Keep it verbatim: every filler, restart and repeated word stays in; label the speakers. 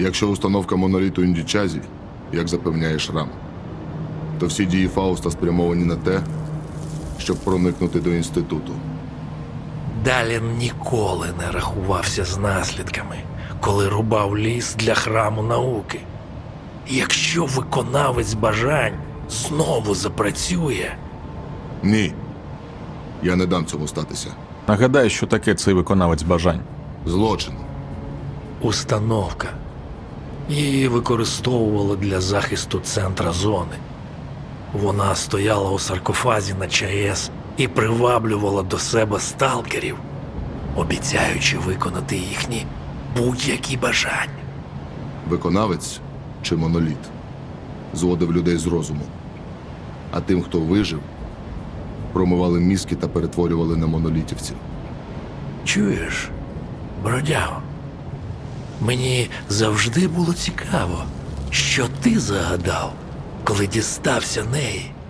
Speaker 1: Якщо установка моноліту Індічазі, як запевняє Шрам, то всі дії Фауста спрямовані на те, щоб проникнути до інституту.
Speaker 2: Далін ніколи не рахувався з наслідками, коли рубав ліс для храму науки. Якщо виконавець бажань знову запрацює,
Speaker 1: Ні. Я не дам цьому статися.
Speaker 3: Нагадай, що таке цей виконавець бажань.
Speaker 1: Злочин.
Speaker 2: установка. Її використовували для захисту центра зони. Вона стояла у саркофазі на ЧАЕС і приваблювала до себе сталкерів, обіцяючи виконати їхні будь-які бажання.
Speaker 1: Виконавець чи моноліт зводив людей з розуму. А тим, хто вижив, промивали мізки та перетворювали на монолітівців.
Speaker 2: Чуєш, бродяго? Мені завжди було цікаво, що ти загадав, коли дістався неї.